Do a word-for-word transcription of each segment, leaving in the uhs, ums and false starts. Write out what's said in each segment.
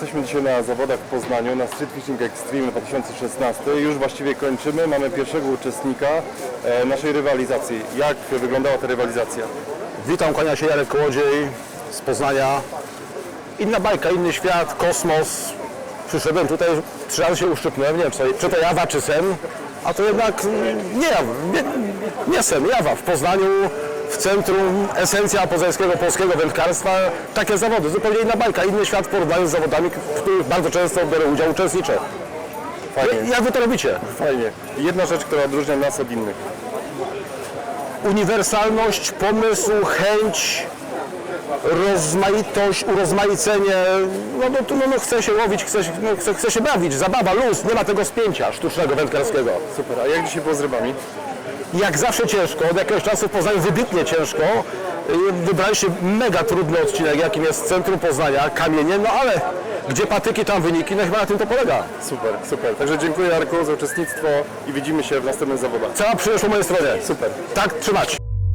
jesteśmy dzisiaj na zawodach w Poznaniu, na Street Fishing Extreme dwa tysiące szesnaście. Już właściwie kończymy, mamy pierwszego uczestnika e, naszej rywalizacji. Jak wyglądała ta rywalizacja? Witam, kłania się Jarek Kołodziej z Poznania. Inna bajka, inny świat, kosmos. Przyszedłem tutaj, trzy razy się uszczypnąłem, nie wiem, co, czy to Jawa, czy Sen. A to jednak nie Jawa, nie, nie Sen, Jawa. W Poznaniu, w centrum, esencja poznańskiego, polskiego wędkarstwa. Takie zawody, zupełnie inna bajka, inny świat w porównaniu z zawodami, w których bardzo często biorę udział, uczestniczę. Fajnie. Jak wy to robicie? Fajnie. Jedna rzecz, która odróżnia nas od innych. Uniwersalność, pomysł, chęć, rozmaitość, urozmaicenie, no, no, no, no chce się łowić, chce, no, chce, chce się bawić, zabawa, luz, nie ma tego spięcia sztucznego wędkarskiego. Super, a jak dzisiaj było z rybami? Jak zawsze ciężko, od jakiegoś czasu w Poznaniu wybitnie ciężko. Wybraliście mega trudny odcinek, jakim jest centrum Poznania, kamienie, no ale gdzie patyki, tam wyniki, no chyba na tym to polega. Super, super. Także dziękuję Jarku za uczestnictwo i widzimy się w następnych zawodach. Cała przyjemność po mojej stronie. Super. Tak trzymać.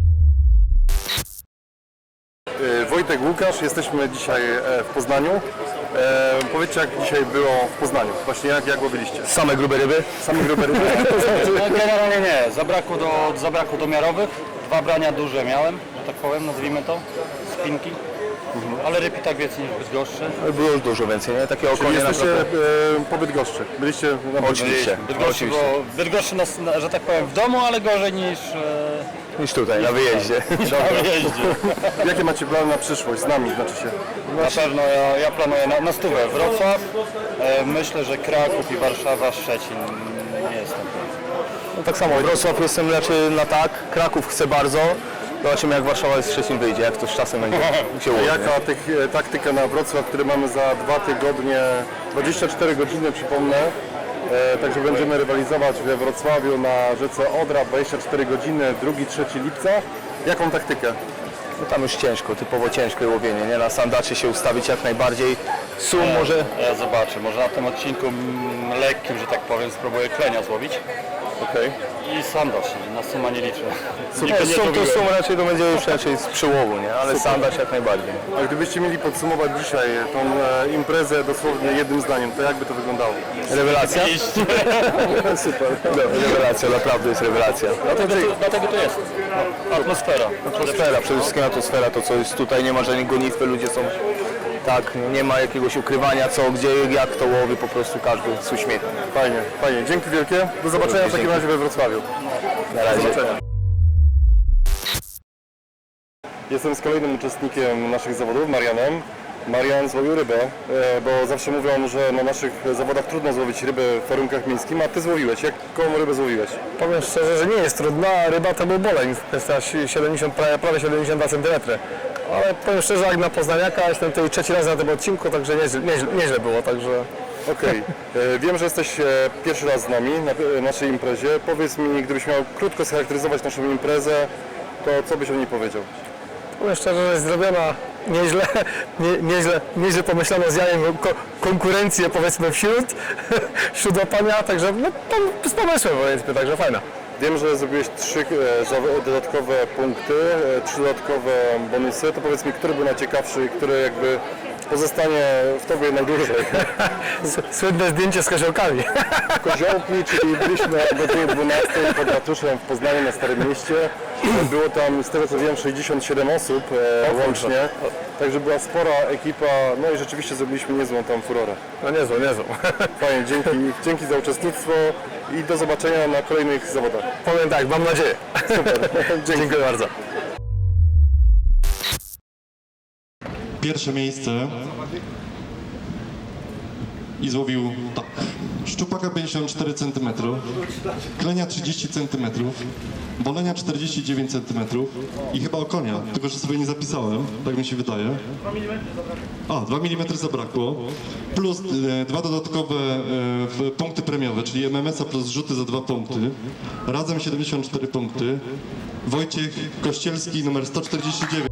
Wojtek, Łukasz, jesteśmy dzisiaj w Poznaniu. E, powiedzcie, jak dzisiaj było w Poznaniu? Właśnie jak, jak łowiliście? Same grube ryby? Same grube ryby? No, generalnie nie, zabrakło, do, zabrakło domiarowych, dwa brania duże miałem, że tak powiem, nazwijmy to, spinki, ale ryb i tak więcej niż Bydgoszczy. Było już dużo więcej, nie? Takie Czyli okonie jesteście naprawdę. e, po Bydgoszczy. Byliście na Oczywiście. Bydgoszczy, bo Bydgoszczy nas, na- że tak powiem, w domu, ale gorzej niż e, Niż tutaj, na wyjeździe. na wyjeździe. Jakie macie plany na przyszłość? Z nami znaczy się. Na pewno ja, ja planuję na, na stówę Wrocław, e, myślę, że Kraków i Warszawa, Szczecin, nie jestem pewien. No, tak samo, Wrocław jestem raczej na tak, Kraków chcę bardzo. Zobaczymy jak Warszawa z Szczecin wyjdzie, jak to z czasem będzie się ułoży. Jaka tych, e, taktyka na Wrocław, który mamy za dwa tygodnie, dwadzieścia cztery godziny przypomnę. E, także będziemy rywalizować we Wrocławiu na rzece Odra, dwadzieścia cztery godziny, drugiego trzeciego lipca. Jaką taktykę? No, tam już ciężko, typowo ciężkie łowienie, nie? Na sandaczy się ustawić jak najbardziej. Sum może... Ja zobaczę, może na tym odcinku mm, lekkim, że tak powiem, spróbuję klenia złowić. Okej. I sandacz, na suma nie liczę. Nie, Nigdy nie sum to złowiłem. sum raczej to będzie już raczej z przyłowu, nie? Ale sandacz jak najbardziej. A gdybyście mieli podsumować dzisiaj tą e, imprezę dosłownie jednym zdaniem, to jak by to wyglądało? Rewelacja? Super. Rewelacja, naprawdę jest rewelacja. Dlatego to, dlatego to jest. No, atmosfera. Atmosfera, przede wszystkim atmosfera, to co jest tutaj, nie ma żadnej gonitwy, ludzie są tak, nie ma jakiegoś ukrywania co, gdzie, jak to łowi, po prostu każdy z uśmiechem. Fajnie, fajnie. Dzięki wielkie. Do zobaczenia w takim razie we Wrocławiu. Na razie. Do zobaczenia. Jestem z kolejnym uczestnikiem naszych zawodów, Marianem. Marian złowił rybę, e, bo zawsze mówią, że na naszych zawodach trudno złowić rybę w warunkach miejskich, a ty złowiłeś. Jaką rybę złowiłeś? Powiem szczerze, że nie jest trudna, a ryba to był boleń, to jest aż siedemdziesiąt, prawie, prawie siedemdziesiąt dwa centymetry. Ale powiem szczerze, jak na Poznaniaka, jestem tutaj trzeci raz na tym odcinku, także nieźle, nieźle, nieźle było, także... Okej. E, Wiem, że jesteś e, pierwszy raz z nami na e, naszej imprezie. Powiedz mi, gdybyś miał krótko scharakteryzować naszą imprezę, to co byś o niej powiedział? Powiem szczerze, że jest zrobiona nieźle, nie, nieźle, nieźle pomyślano z jajem ko konkurencję powiedzmy wśród, wśród łapania, także no, z pomysłem powiedzmy, także fajna. Wiem, że zrobiłeś trzy e, za- dodatkowe punkty, e, trzy dodatkowe bonusy. To powiedz mi, który był najciekawszy i który jakby pozostanie w tobie najdłużej? Słynne zdjęcie z koziołkami. Koziołki, czyli byliśmy o godzinie dwunastej pod ratuszem w Poznaniu na Starym Mieście. Było tam, z tego co wiem, sześćdziesiąt siedem osób e, łącznie. Także była spora ekipa, no i rzeczywiście zrobiliśmy niezłą tam furorę. No niezłą, niezłą. Fajnie, dzięki, dzięki za uczestnictwo i do zobaczenia na kolejnych zawodach. Powiem tak, mam nadzieję. Super, Dziękuję bardzo. Pierwsze miejsce i złowił tak. Szczupaka pięćdziesiąt cztery centymetry, klenia trzydzieści centymetrów, bolenia czterdzieści dziewięć centymetrów i chyba okonia, tylko że sobie nie zapisałem, tak mi się wydaje. A, dwa milimetry zabrakło, plus e, dwa dodatkowe e, punkty premiowe, czyli M M S a plus rzuty za dwa punkty, razem siedemdziesiąt cztery punkty. Wojciech Kościelski numer sto czterdzieści dziewięć.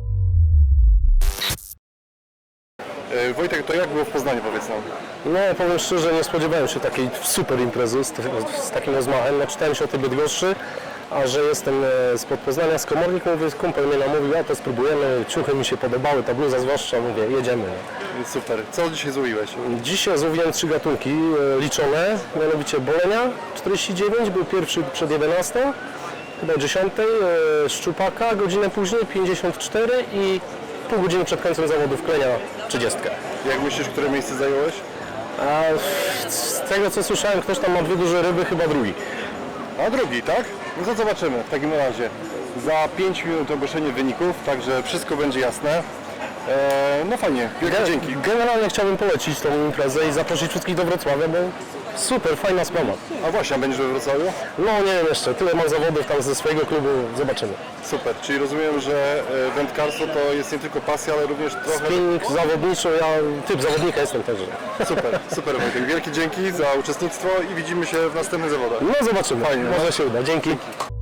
E, Wojtek, to jak było w Poznaniu, powiedz nam? No powiem szczerze, nie spodziewałem się takiej super imprezy z, z takim rozmachem. No, czytałem się o tej Bydgoszczy, a że jestem e, spod Poznania, z Komornik, mówię, kumpel mnie namówił, a to spróbujemy, ciuchy mi się podobały, ta bluza zwłaszcza, mówię, jedziemy. Super. Co dzisiaj złowiłeś? Dzisiaj złowiłem trzy gatunki e, liczone, mianowicie bolenia czterdzieści dziewięć, był pierwszy przed jedenastą, chyba dziesiątej, e, szczupaka godzinę później pięćdziesiąt cztery i pół godziny przed końcem zawodów klenia trzydzieści. Jak myślisz, które miejsce zająłeś? A z tego co słyszałem, ktoś tam ma dwie duże ryby, chyba drugi. A drugi, tak? No to zobaczymy w takim razie. Za pięć minut ogłoszenie wyników, także wszystko będzie jasne. Eee, no fajnie, wielkie dzięki. Generalnie chciałbym polecić tą imprezę i zaprosić wszystkich do Wrocławia, bo super, fajna sprawa. A właśnie, a będziesz we Wrocławiu? No nie wiem jeszcze, tyle mam zawodów tam ze swojego klubu, zobaczymy. Super, czyli rozumiem, że e, wędkarstwo to jest nie tylko pasja, ale również trochę... Spinning zawodniczy, ja typ zawodnika jestem także. Super, super Wojtek. Wielkie dzięki za uczestnictwo i widzimy się w następnych zawodach. No zobaczymy, fajnie, może się uda, dzięki.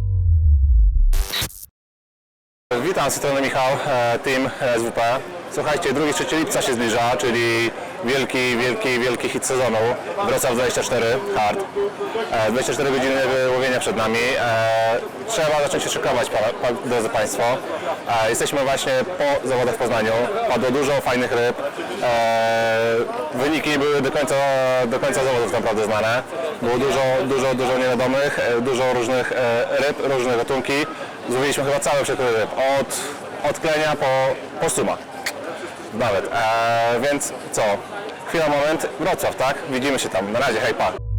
Witam, z tej strony Michał, e, team S W P. Słuchajcie, drugi trzeci lipca się zbliża, czyli wielki, wielki, wielki hit sezonu. Wrocław dwadzieścia cztery Hard. E, dwadzieścia cztery godziny łowienia przed nami. E, trzeba zacząć się szykować, pa, pa, drodzy Państwo. E, jesteśmy właśnie po zawodach w Poznaniu. Padło dużo fajnych ryb. E, wyniki nie były do końca, do końca zawodów naprawdę znane. Było dużo, dużo, dużo niewiadomych, e, dużo różnych e, ryb, różne gatunki. Złowiliśmy chyba cały przekrój ryb, od, od klenia po, po suma. Nawet. Eee, więc co? Chwila, moment. Wrocław, tak? Widzimy się tam. Na razie, hej, pa.